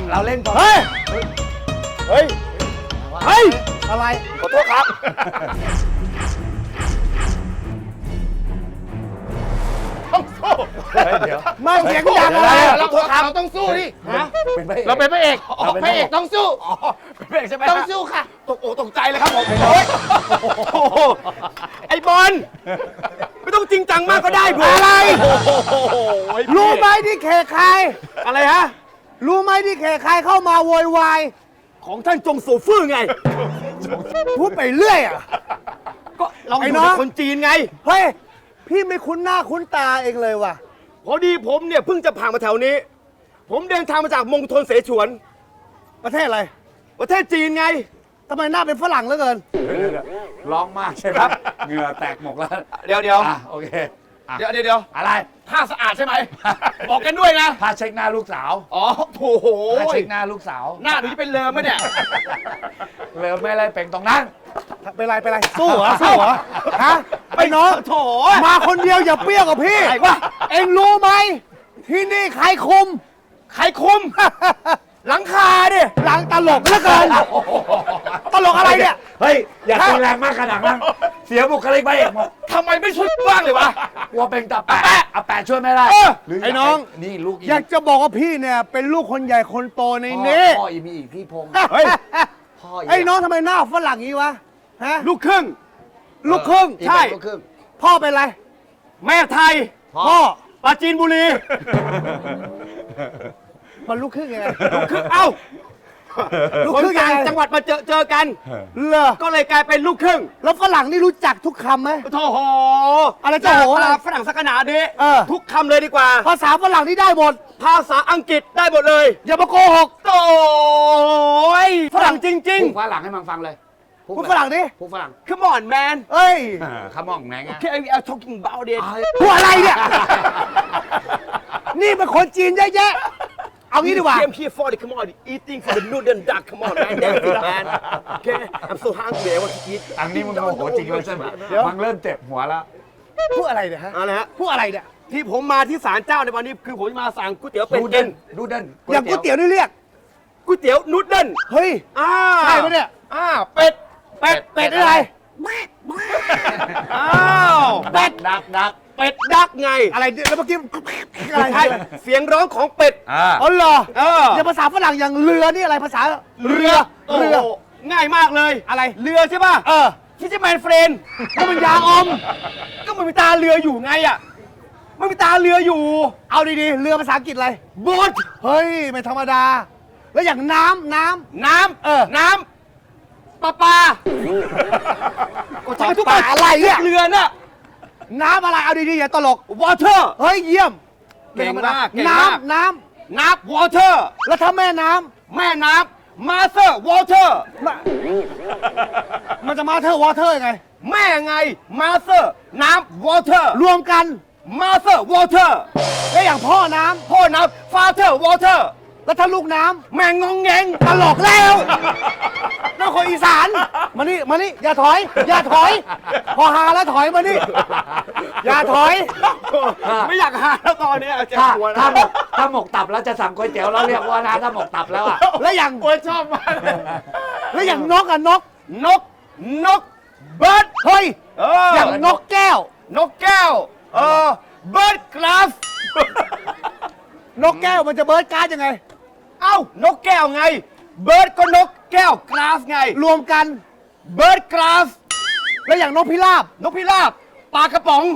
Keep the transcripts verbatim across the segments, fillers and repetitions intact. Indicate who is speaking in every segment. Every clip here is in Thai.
Speaker 1: เราเล่นก่อน
Speaker 2: เฮ้ย
Speaker 3: เฮ้ย
Speaker 2: เฮ้ย อะไร
Speaker 3: ขอโทษครับ ต้องสู้
Speaker 1: เดี๋ยว
Speaker 2: มาเสียงดังอะไร
Speaker 3: เราเราต้องสู้ดิฮะ
Speaker 1: เป็นพระเอก
Speaker 3: เราเป็นพระเอก
Speaker 1: เราเป็น
Speaker 3: พระเอกต้องสู้
Speaker 1: อ๋อเป็นพระเอกใช่ไหม
Speaker 3: ต้องสู้ค่ะ ตกอกตกใจเลยครับผมโอ้ยโอ้โหไอ้บอลไม่ต้องจริงจังมากก็ได้ผม
Speaker 2: อะไร
Speaker 3: โอ้โห
Speaker 2: รู้ไหมที่เขตใคร
Speaker 3: อะไรฮะ
Speaker 2: รู้ไหมที่เขตใครเข้ามาโวยวาย
Speaker 3: ของท่านจงโซฟื้อไง
Speaker 2: พูดไปเรื่อยอ่ะ
Speaker 3: ก็เรา
Speaker 2: ไอ้
Speaker 3: อยู่
Speaker 2: น้อง
Speaker 3: กับคนจีนไง
Speaker 2: เฮ้ย พี่ไม่คุ้นหน้าคุ้นตาเองเลยว่ะ
Speaker 3: พอดีผมเนี่ยเพิ่งจะผ่านมาแถวนี้ ผมเดินทางมาจากมณฑลเสฉวน
Speaker 2: ประเทศอะไร
Speaker 3: ประเทศจีนไง
Speaker 2: ทำไมหน้าเป็นฝรั่งเหลือเกิน
Speaker 1: ร้องมากใช่ไหมเหงื่อแตกหมกแล้ว
Speaker 3: เดี๋ยวเดี๋ยว
Speaker 1: อ่ะโอเคอ่ะ
Speaker 3: เดี๋ยวเดี๋ยวเดี๋ยว
Speaker 1: อะไร
Speaker 3: ผ้าสะอาดใช่ไหม บอกกันด้วยนะ
Speaker 1: พาเช็คหน้าลูกสาว
Speaker 3: อ๋อโถโห
Speaker 1: พาเช็คหน้าลูกสาว
Speaker 3: หน้าหนูจะเป็นเลิมไหมเนี่ย
Speaker 1: เลยไม่อะไรเป็นตรงนั้น
Speaker 2: เป็นไรเป็นไรสู้เหรอสู้เหรอฮะไอ้น้อง
Speaker 3: โถ
Speaker 2: มาคนเดียวอย่าเปรี้ยวกับพี่
Speaker 3: อะไรวะ
Speaker 2: เอ็งรู้ไหมที่นี่ใครคุม
Speaker 3: ใครคุม หลังคาดิ
Speaker 2: หลังตลกเหลือเกิน ตลกอะไรเนี่ย
Speaker 1: เฮ้ยอย่าตีแรงมากขนาดนั้นเสียบุคลิกไปเอกหมด
Speaker 3: ทำไมไม่ช่วยบ้างเลยวะ
Speaker 1: กลัวเป็นตาแปะอาแปะช่วยไม่ได้
Speaker 3: เออ
Speaker 1: หรื
Speaker 2: ไอ้น้อง
Speaker 1: นี่ลูก
Speaker 2: อยากจะบอกว่าพี่เนี่ยเป็นลูกคนใหญ่คนโตในนี้
Speaker 1: พ่ออีมีอีกพี่พงษ์
Speaker 3: เฮ้ย
Speaker 1: พ่ออี
Speaker 2: ไอ้น้องทำไมหน้าฝรั่งงี้วะฮะ
Speaker 3: ลูกครึ่ง
Speaker 2: ลูกครึ่ง
Speaker 1: อีก
Speaker 3: ใช่
Speaker 1: เป็นลูกครึ่ง
Speaker 2: พ่อเป็นไร
Speaker 3: แม่ไทย
Speaker 2: พ่อ
Speaker 3: ปราจีนบุรี
Speaker 2: มันลูกครึ่งยังไง
Speaker 3: ลูกครึ่งเอ้า
Speaker 2: ลูก
Speaker 3: คน
Speaker 2: ครึ่งยั
Speaker 3: ต่าง ง
Speaker 2: ไง
Speaker 3: จังหวัดมาเจอเจอกัน
Speaker 2: เหรอ
Speaker 3: ก็เลยกลายเป็นลูกครึ่ง
Speaker 2: แล้วฝรั่งนี่รู้จักทุกคำไหม
Speaker 3: โถโห
Speaker 2: อะไรจะโหอะไร
Speaker 3: หน้าตาฝรั่งสักขนาดนี้
Speaker 2: เออ
Speaker 3: ทุกคำเลยดีกว่า
Speaker 2: ภาษาฝรั่งนี่ได้หมด
Speaker 3: ภาษาอังกฤษได้หมดเลย
Speaker 2: อย่ามาโกหก
Speaker 3: โอ้ยฝรั่งจริง
Speaker 1: พูดฝรั่งให้มันฟังเลย
Speaker 2: พูดฝรั่งดิ
Speaker 1: พูดฝรั่ง
Speaker 3: ๆ Come on man
Speaker 2: เอ้ย
Speaker 1: ขมองไงไง
Speaker 3: Okay we are talking about it
Speaker 2: พูดอะไรเนี่ย นี่เป็นคนจีนเยอะแยะ เอางี้ดีกว่า
Speaker 3: came here for the come on eating for the noodle and duck come on man that's it man Okay I'm so hungry I want to eat
Speaker 1: อันนี้มึงโมโหจริงเลยใช่ไหม
Speaker 2: เดี๋ยว
Speaker 1: มันเริ่มเจ็บหัวแล้ว
Speaker 2: พูดอะไรเนี่ยฮะ
Speaker 3: อะไรฮะ
Speaker 2: พูดอะไรเนี่ย
Speaker 3: ที่ผมมาที่ศาลเจ้าในวันนี้คือผมมาสั่งก๋วยเตี๋ยวเป็ด
Speaker 1: ดู
Speaker 3: เย็
Speaker 1: เด่
Speaker 3: น
Speaker 1: นดูเด่น
Speaker 2: อย่างก๋วยเตี๋ยวนี่เรียก
Speaker 3: ก๋วยเตี๋ยวนูดเดิล
Speaker 2: เฮ้ย
Speaker 3: อ่า
Speaker 2: ใช่ปะเนี่ย
Speaker 3: อ่าเป็ดเป็ด
Speaker 2: เป็ดอะไร
Speaker 3: อ้าว
Speaker 1: ดักดักดัก
Speaker 3: เป็ดดักไง
Speaker 2: อะไรเนี่ยแล้วเมื่อกี้อะไร
Speaker 3: ใช่เสียงร้องของเป็ด
Speaker 1: อ่า
Speaker 2: อ๋อเหรอ
Speaker 3: เออ
Speaker 2: อย่างภาษาฝรั่งอย่างเรือนี่อะไรภาษา
Speaker 3: เรือ
Speaker 2: เรือ
Speaker 3: โโหง่ายมากเลย
Speaker 2: อะไร
Speaker 3: เรือใช่ป่ะ
Speaker 2: เออ
Speaker 3: ฟิชแมนเฟรน
Speaker 2: ก็มันยาอม
Speaker 3: ก็มันมีตาเรืออยู่ไงอ่ะมันมีตาเรืออยู่
Speaker 2: เอาดีๆ เรือภาษาอังกฤษอะไร
Speaker 3: บอท
Speaker 2: เฮ้ย ไม่ธรรมดา แล้วอย่างน้ำน้ำ
Speaker 3: น้ำ
Speaker 2: เออ
Speaker 3: น้ำปลาปลาก็ใช้ทุก
Speaker 2: ปลาอะไรเนี่ย
Speaker 3: เรือน่ะ
Speaker 2: น้ำอะไร เอาดีๆ อย่าตลก
Speaker 3: วอเตอร์
Speaker 2: เฮ้ย เยี่ยม
Speaker 3: เก่งมากเก่ง
Speaker 2: น้
Speaker 3: มาก
Speaker 2: ำน้
Speaker 3: น้ำวอเตอร์
Speaker 2: ำแล้วถ้าแม่น้
Speaker 3: แม่น้ำมาเตอร์วอเตอร์
Speaker 2: ำมามันจะมาเธอวอเทอร์ยังไง
Speaker 3: แม่ไงมาเตอร์น้ำวอเตอร์
Speaker 2: รวมกัน
Speaker 3: มาเตอร์วอเตอร์
Speaker 2: แล้วอย่างพ่อน้
Speaker 3: พ่อน้ำฟาเตอร์วอเตอร์
Speaker 2: ำแล้วถ้าลูกน้
Speaker 3: แม่งงแงง
Speaker 2: ำตลกแล้วนั่นคนอีสาน มานี่ มานี่ อย่าถอย อย่าถอย พอหาแล้วถอยมานี่ อย่าถอย
Speaker 3: ไม่อยากหาแล้วตอนนี้เจ็บ
Speaker 1: ถ้า
Speaker 3: หัว
Speaker 1: ถ้า
Speaker 3: นะ
Speaker 1: หมกถ้าหมกตับแล้วจะสั่งก๋วยเตี๋ยวแล้วเรียกว่านะถ้าหมกตับแล้วอ่ะ
Speaker 2: แล้วอย่าง
Speaker 3: โอ้ยชอบมากเลย
Speaker 2: แล้วอย่างนกอะนก
Speaker 3: นกนกเบิร์ด
Speaker 2: เฮ้ย
Speaker 3: เออ
Speaker 2: อ
Speaker 3: อย่าง
Speaker 2: นกแก้ว
Speaker 3: นกแก้วเออเบิร์ดกราฟ
Speaker 2: นกแก้วมันจะเบิร์ดการ์ดยังไง
Speaker 3: เอ้านกแก้วไง เบิร์ดก็นกแก้วกราฟไง
Speaker 2: รวมกัน
Speaker 3: เบิร์ดกราฟ
Speaker 2: แล้วอย่างนกพิราบ
Speaker 3: นกพิราบปลากระป๋อง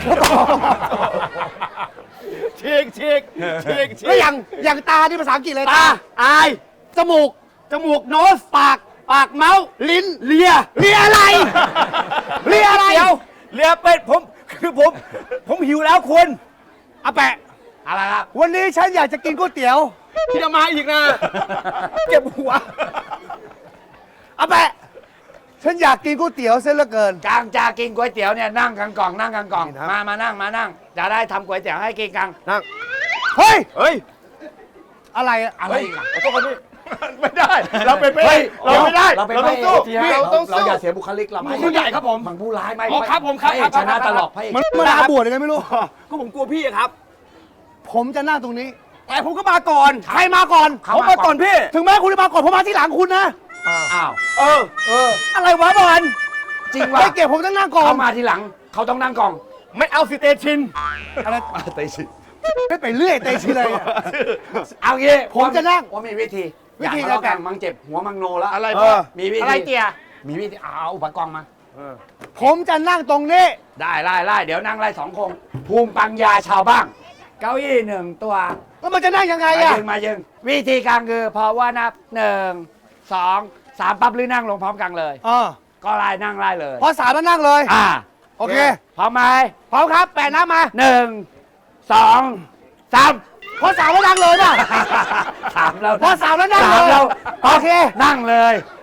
Speaker 3: ฉีกฉีกฉีกฉี
Speaker 2: แล้ว
Speaker 3: ก
Speaker 2: อย่างอย่างตาที่ภาษาอังกฤษอะไร
Speaker 3: ตาอาย
Speaker 2: จมูก
Speaker 3: จมูกโนสปากปากเมาส์
Speaker 2: ลิ้น
Speaker 3: เลีย
Speaker 2: เรียอะไร เรียอะไร
Speaker 3: เดี๋ยวเลียเป็ดผมคือผมผมหิวแล้วคุณ
Speaker 2: อาแปะ
Speaker 1: อะไรครับ
Speaker 2: วันนี้ฉันอยากจะกินก๋วยเตี๋ยว
Speaker 3: พี่จะมาอีกนะเก็บหัว
Speaker 2: อาแปะ ฉันอยากกินก๋วยเตี๋ยวเส้นเหลือเกิน
Speaker 1: กลางจะกินก๋วยเตี๋ยวเนี่ยนั่งกันกล่องนั่งกันกล่องมามานั่งมานั่งจะได้ทำก๋วยเตี๋ยวให้กินกัน
Speaker 3: นั่ง
Speaker 2: เฮ้ย
Speaker 3: เฮ้ย
Speaker 2: อะไรอะ
Speaker 1: อะไรอีกอะ
Speaker 3: ขอโทษครับพี่ไม่ได้ เราเป็นพระเอ
Speaker 1: เฮ้ย
Speaker 3: กเราไม่ได้
Speaker 1: เราเป็น
Speaker 3: เรา
Speaker 1: พ
Speaker 3: ต้
Speaker 1: ระ
Speaker 3: อง
Speaker 1: เอก
Speaker 3: สู้
Speaker 1: ที่
Speaker 3: เราต้อง
Speaker 1: เรา
Speaker 3: สู้
Speaker 1: อย่าเสียบุคลิกเรา
Speaker 3: มันผู้ใหญ่ครับผม
Speaker 1: มันผู้ร้ายไม่
Speaker 3: อ๋อครับผมครับ
Speaker 1: พะเอก
Speaker 3: ครับ
Speaker 1: ชนะครับ
Speaker 3: ครับ
Speaker 1: ตลอดพระเอก
Speaker 2: มันมาลาบวชยังไงไม่รู้
Speaker 3: ก็ผมกลัวพี่อะครับ
Speaker 2: ผมจะนั่งตรงนี้
Speaker 3: แต่ผมก็มาก่อน
Speaker 2: ใครมาก่อน
Speaker 3: ผมมาก่อนพี่
Speaker 2: ถึงแม้คุณจะมาก่อนผมมาที่หลังคุณนะ
Speaker 1: อ้าว
Speaker 3: เออ
Speaker 2: เออ
Speaker 3: อะไรวะบอล
Speaker 1: จริงว่ะ
Speaker 2: ไม่เก็บผมต้องนั่งก่อน
Speaker 1: เขามาทีหลังเขาต้องนั่งกล่อง
Speaker 3: ไม่เอาสิเตชิน
Speaker 2: อะไร
Speaker 1: เตชิ
Speaker 2: ไม่ไปเรื่อยเตชิเลยอะ
Speaker 1: เอางี้
Speaker 2: ผมจะนั่ง
Speaker 1: ว่ามีวิธี
Speaker 2: วิธี
Speaker 1: อย่าทะเลาะกัน
Speaker 2: อะไร
Speaker 1: มังเจ็บหัวมังโนแล้ว
Speaker 3: อะไร
Speaker 1: เออมีวิธี
Speaker 2: อะไรเตีย
Speaker 1: มีวิธีเอาอุปกรณ์มา
Speaker 2: ผมจะนั่งตรงนี้
Speaker 1: ได้ไล่ไล่เดี๋ยวนั่งไล่สองคงภูมิปัญญาชาวบ้างเก้าอี้หนึ่งตัว
Speaker 2: แล้วมันจะนั่งยังไง
Speaker 1: มา
Speaker 2: อะ
Speaker 1: ยึงมายึงวิธีการคือพอว่านับหนึ่งสองสามปั๊บหรือนั่งลงพร้อมกันเลย
Speaker 2: เออ
Speaker 1: ก็ไล่นั่งไล่เลย
Speaker 2: พอสามแล้วนั่งเลย
Speaker 1: อ่า
Speaker 2: โอเค
Speaker 1: พร้อมไหม
Speaker 2: พร้อมครับแปะน้ำมา
Speaker 1: หนึ่งสองสาม
Speaker 2: พอสามแล้วนั่งเลยป่ะ
Speaker 1: สามแล้ว
Speaker 2: พอสามแล้วนั่งเลย
Speaker 1: สามแล้ว
Speaker 2: โอเค
Speaker 1: นั่งเลย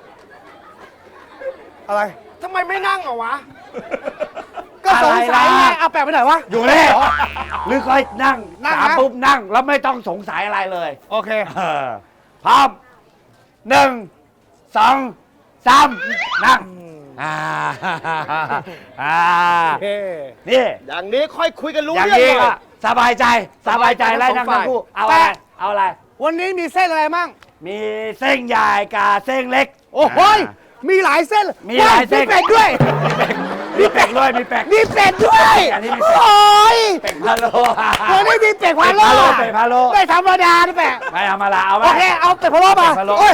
Speaker 2: อะไร
Speaker 3: ทำไมไม่นั่งอะวะ
Speaker 2: ก็สงสัยไงเอาแปะไปไหนวะ
Speaker 1: อยู่เลยหรือค่อยนั่ง
Speaker 2: นั่ง
Speaker 1: สาม
Speaker 2: นะ
Speaker 1: ปุ๊บนั่งแล้วไม่ต้องสงสัยอะไรเลย
Speaker 2: โอเค
Speaker 1: เออพร้อมหนึ่งสองสามนั่งอ่าอ่า
Speaker 2: โอเค
Speaker 1: นี่
Speaker 3: อย่างนี้ค่อยคุยกันรู้
Speaker 1: อย่าง
Speaker 3: เรื่อง
Speaker 1: นี้
Speaker 3: หน่
Speaker 1: ก็
Speaker 3: อย
Speaker 1: สบายใจสบายใจไล่นั่งทั้งคู่เอาอะไรเอาอะไร
Speaker 2: วันนี้มีเส้นอะไรมั่ง
Speaker 1: มีเส้นใหญ่กับเส้นเล็ก
Speaker 2: โอ้โหยมีหลายเส้น
Speaker 1: มีหลายเส้น
Speaker 2: มีเป็ดด้วย
Speaker 1: มีเป็ดด้วยมีเป็ด
Speaker 2: มีเป็ดด้วย
Speaker 1: อันนี้มีเป็ด
Speaker 2: โอ้ย
Speaker 1: เป็ดพะโล้
Speaker 2: วันนี้มีเป็ดพะโล้
Speaker 1: เป็ดพะโล้
Speaker 2: ไม่ธรรมดานะแปะ
Speaker 1: ไม่เอามาละเอาไหม
Speaker 2: โอเค เอาเป็ดพะโล้มา
Speaker 1: เป็ดพะโล้
Speaker 2: โอ้ย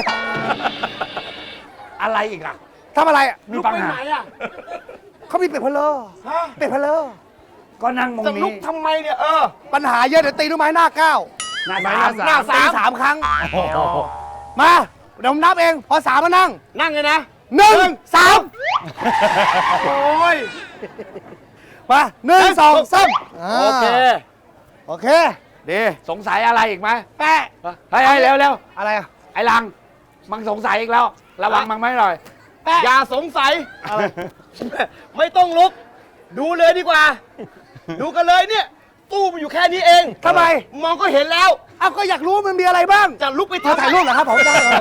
Speaker 1: อะไรอีกล่ะ
Speaker 2: ทำอะไรอะ
Speaker 1: มีปัญหา
Speaker 3: ลุกไปไหนอะ
Speaker 2: เขามีเป็ดพะโล้
Speaker 3: ฮะ
Speaker 2: เป็ดพะโล้
Speaker 1: ก็นั่งมอง
Speaker 3: จะลุ
Speaker 1: นี้
Speaker 3: กทำไมเนี่ยเออ
Speaker 2: ปัญหาเยอะเดี๋ยวตีลูกไม้หน้าเก้า
Speaker 1: หน้า
Speaker 3: หน้า
Speaker 1: สาม
Speaker 3: หน้าสาม
Speaker 2: ตีสามครั้ง
Speaker 1: โอ้โห
Speaker 2: มาเดี๋ยวผมนับเอง พอสามมานั่ง
Speaker 3: นั่งเลยนะ
Speaker 2: หนึ่งสาม
Speaker 3: โอ้ย
Speaker 2: มาหนึ่งสองสาม
Speaker 3: โอเค
Speaker 2: โอเค
Speaker 1: ดีสงสัยอะไรอีกไหม
Speaker 2: แปะ
Speaker 1: เฮ้ยเฮ้ยเร็วเร็ว
Speaker 2: อะไรอะ
Speaker 1: ไอ้ลังมังสงสัยอีกแล้ว ระวังมังไม่หน่อย
Speaker 2: แปะ
Speaker 3: อย่าสงสัย ไม่ต้องลุก ดูเลยดีกว่า ดูกันเลยเนี่ย ตู้มันอยู่แค่นี้เอง
Speaker 2: ทำไม
Speaker 3: มองก็เห็นแล้ว
Speaker 2: เอาก็อยากรู้ว่ามันมีอะไรบ้าง
Speaker 3: จะลุกไป
Speaker 2: ขอ
Speaker 3: ทำ
Speaker 2: ถ่ายรูปเหรอครับผมได้เลย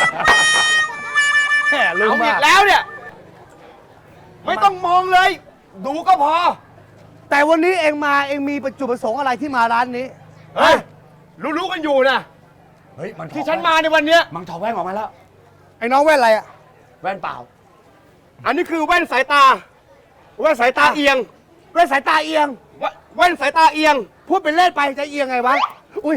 Speaker 2: แหมลืม
Speaker 3: เอา
Speaker 2: มา
Speaker 3: อี
Speaker 2: ก
Speaker 3: กแล้วเนี่ย ไม่ต้องมองเลย ดูก็พอ
Speaker 2: แต่วันนี้เองมาเองมีจุดประสงค์อะไรที่มาร้านนี้
Speaker 3: เฮ้ย รู้ๆกันอยู่นะ
Speaker 1: เฮ้ยมัน
Speaker 3: ที่ฉันมาในวันเนี้ย
Speaker 1: มังถอดแว่นออกมาแล้ว
Speaker 2: ไอ้น้องแว่นอะไรอะ
Speaker 1: แว่นเปล่า
Speaker 3: อันนี้คือแว่นสายตา แว่นสายตาเอียง
Speaker 2: แว่นสายตาเอียง
Speaker 3: แว่นแว่นสายตาเอียง
Speaker 2: พูดเป็นเล่นไปจะเอียงไงวะ อุ้ย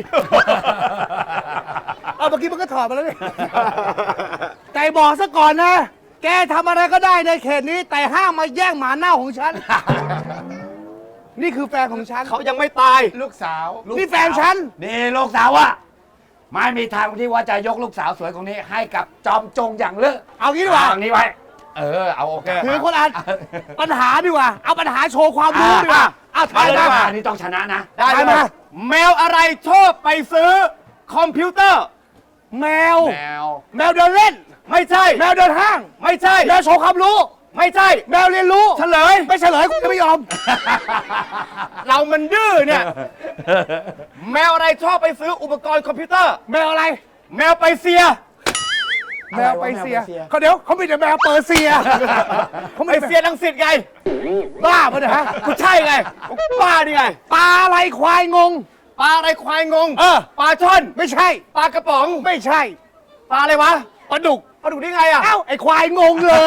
Speaker 2: เอาเมื่อกี้มันก็ถอดมาแล้วนี่ แต่บอกซะก่อนนะ แกทำอะไรก็ได้ในเขตนี้ แต่ห้ามมาแย่งหมาเน่าของฉัน นี่คือแฟนของฉัน
Speaker 3: เขายังไม่ตาย
Speaker 1: ลูกสาว
Speaker 2: นี่แฟนฉัน
Speaker 1: นี่ลูกสาวอะไม่มีทางที่ว่าจะยกลูกสาวสวยของนี้ ให้กับจอมจงอย่างเลิศ
Speaker 2: เอางี้ดีกว่า
Speaker 1: เอาอย่างนี้ไว้ เออ เอาโอเค
Speaker 2: ถือคนอ่านปัญหาดีกว่า เอาปัญหาโชว์ความรู้ดีกว่าเอา
Speaker 1: มา
Speaker 2: ถ่าย
Speaker 1: เลย
Speaker 2: มา
Speaker 1: มาอันนี้ต้องชนะนะ
Speaker 3: ได้
Speaker 2: ได้
Speaker 3: ไหม
Speaker 2: มา
Speaker 3: แมวอะไรชอบไปซื้อคอมพิวเตอร์
Speaker 2: แมว
Speaker 1: แมว
Speaker 2: แมวเดินเล่น
Speaker 3: ไม่ใช่
Speaker 2: แมวเดินห้าง
Speaker 3: ไม่ใช่
Speaker 2: แมวโชว์ความรู้
Speaker 3: ไม่ใช่
Speaker 2: แมวเรียนรู้
Speaker 3: เฉลย
Speaker 2: ไม่เฉลยกูจะไม่ยอม
Speaker 3: เรามันดื้อเนี่ย แมวอะไรชอบไปซื้ออุปกรณ์คอมพิวเตอร์
Speaker 2: แมวอะไร
Speaker 3: แมวไปเซีย
Speaker 2: แมวไปเซียเขาเดี๋ยวเขามีแต่แมวเปอร์เซียเขา
Speaker 3: ไป
Speaker 2: ไม่
Speaker 3: เซียรังสิตไง
Speaker 2: บ้าปะเนี่ยฮะ
Speaker 3: ก็ใช่ไงป้านี่ไง
Speaker 2: ปลาอะไรควายงง
Speaker 3: ปลาอะไรควายงง
Speaker 2: เออ
Speaker 3: ปลาช่อน
Speaker 2: ไม่ใช่
Speaker 3: ปลากระป๋อง
Speaker 2: ไม่ใช่
Speaker 3: ปลาอะไรวะ
Speaker 2: ปลาดุก
Speaker 3: ปลาดุกได้ไงอ่ะ
Speaker 2: เอ้าไอ้ควายงงเลย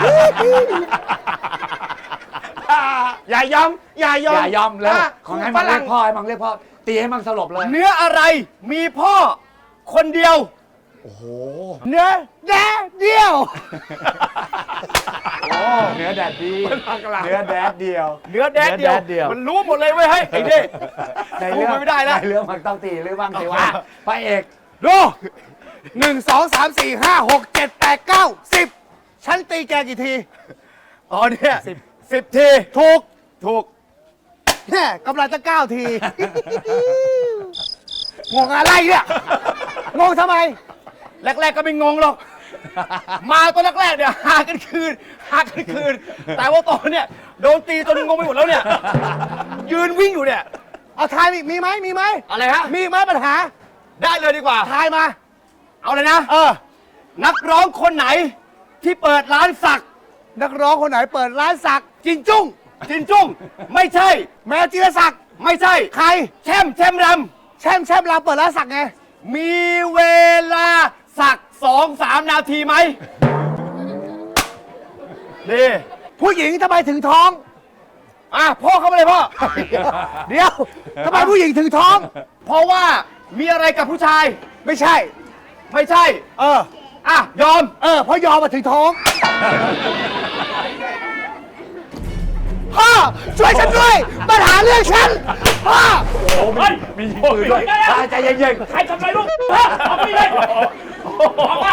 Speaker 1: อย่ายอม
Speaker 3: อย่ายอม
Speaker 1: อย่ายอมเลย
Speaker 3: อ่ะ
Speaker 1: ของให้
Speaker 3: ฝ
Speaker 1: มังเรี
Speaker 3: รั่
Speaker 1: ย
Speaker 3: ง
Speaker 1: กพ่อให้มังเรียกพ่อ ตีให้มังสลบเลย
Speaker 3: เนื้ออะไรมีพ่อคนเดียว
Speaker 1: โอ้โห
Speaker 2: เนื้อแดดเดียว
Speaker 1: โอ้เนื้อแดดดีเนื้อแดดเดียว
Speaker 3: เนื้อแดดเดียว
Speaker 1: เนื้อแดดเดียว
Speaker 3: มันรู้หมดเลยเว้ยเฮ้ยไอ้เด้
Speaker 1: ในเรื่อง
Speaker 3: สู้ไม่ได้แล้ว
Speaker 1: ในเรื่องมันต้องตีหรือบ้างสิวะพระเอก
Speaker 2: ดูหนึ่งสองสามสี่ห้าหกเจ็ดแปดเก้าสิบฉันตีแกกี่ที
Speaker 3: อ๋อเนี่ยสิบสิบที
Speaker 2: ถูก
Speaker 3: ถูก
Speaker 2: แน่กำลังจะเก้าที งงอะไรเนี่ย งงทำไม
Speaker 3: แรกๆก็ไม่งงหรอก มาตอนแรกๆเนี่ยหากันคืนหากันคืน แต่ว่าตอนเนี่ยโดนตีจนงงไปหมดแล้วเนี่ย ยืนวิ่งอยู่เนี่ย
Speaker 2: เอาทายมีมีไหมมีไหม
Speaker 3: อะไรฮะ
Speaker 2: มีไหมปัญหา
Speaker 3: ได้เลยดีกว่า
Speaker 2: ทายมา
Speaker 3: เอาเลยนะ
Speaker 2: เออ
Speaker 3: นักร้องคนไหนที่เปิดร้านสัก
Speaker 2: นักร้องคนไหนเปิดร้านสักจินจุ้ง
Speaker 3: จินจุ้ง ไม่ใช่
Speaker 2: แมวจีรศักดิ์
Speaker 3: ไม่ใช่
Speaker 2: ใคร
Speaker 3: แช่มแช่มร
Speaker 2: แช่มแช่มเราเปิดร้านสักไง
Speaker 3: มีเวลาสักสองสามนาทีไหมนี่
Speaker 2: ผู้หญิงทำไมถึงท้อง
Speaker 3: อ่ะพ่อเข้ามาเลยพ่อ
Speaker 2: เดี๋ยวทำไมผู้หญิงถึงท้อง
Speaker 3: เพราะว่ามีอะไรกับผู้ชาย
Speaker 2: ไม่ใช่
Speaker 3: ไม่ใช่
Speaker 2: เออ
Speaker 3: อ่ะ ยอม
Speaker 2: เออเพราะยอมมาถึงท้องพ่อช่วยฉันด้วยมาหาเรื่องฉันพ่อ
Speaker 1: มีปืนด้วยใจเย็น
Speaker 3: ใครทำอะไรลูกเอาไปเลยออกมา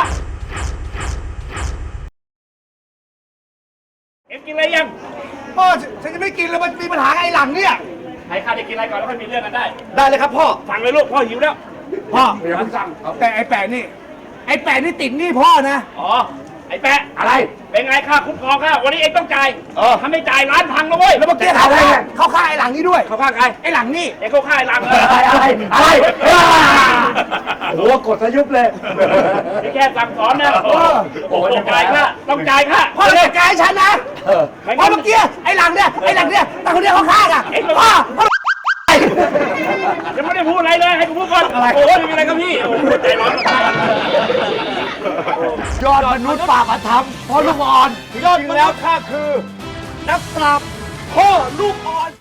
Speaker 3: เอ็มกินอะไรยัง
Speaker 2: พ่อฉันจะไม่กินแล้วมันมีปัญหากับไอ้หลังเนี่ย
Speaker 3: ให้ข้าได้กินอะไรก่อนแล้วค่อยมีเรื่องกันได้
Speaker 2: ได้เลยครับพ่อ
Speaker 3: สั่งเลยลูกพ่อหิวแล้ว
Speaker 2: พ่อ
Speaker 1: ๆอย่าเพิ่งสั่ง
Speaker 2: แต่ไอ้แปะนี่ ไอ้แปะนี่ติดหนี่พ่อนะ
Speaker 3: อ๋อ ไอ้แปะ
Speaker 1: อะไร
Speaker 3: เป็นไงค่าคุ้มครองค่าวันนี้เองต้องจ่ายเออถ้าไม่จ่ายร้านพังนะเว้ย
Speaker 2: แล้วเมื่อกี้เขาฆ่าเขาฆ่าไอ้หลังนี่ด้วย
Speaker 3: เขาข้างใคร
Speaker 2: ไอ้หลังนี่
Speaker 3: เองเขาฆ่าไอ้หลัง
Speaker 1: อะไรอะไรอะไรโอ้โหกดซะยุบเลย
Speaker 3: นี่แค่สั่งสอนนะ
Speaker 2: เออ
Speaker 3: โอ้ต้องจ่ายค่าต้องจ่ายค่า
Speaker 2: พ่อจัดการให้ฉันนะ
Speaker 1: เออ
Speaker 2: เพราะเมื่อกี้ไอ้หลังเนี่ยไอ้หลังเนี่ยแต่คนเดียวเขาฆ่าอ่ะพ่อพ่อ
Speaker 3: ยังไม่ได้พูดอะไรเลยให้กูพูดก่อนโอ้ยไม่มีอะไรครับพี่โอ้โหใจร้อน
Speaker 1: ยอดมนุษย์ป่าประทับพ่อลูกอ่อน
Speaker 3: ยอดแล้วข้าคือ นักปราบพ่อลูกอ่อน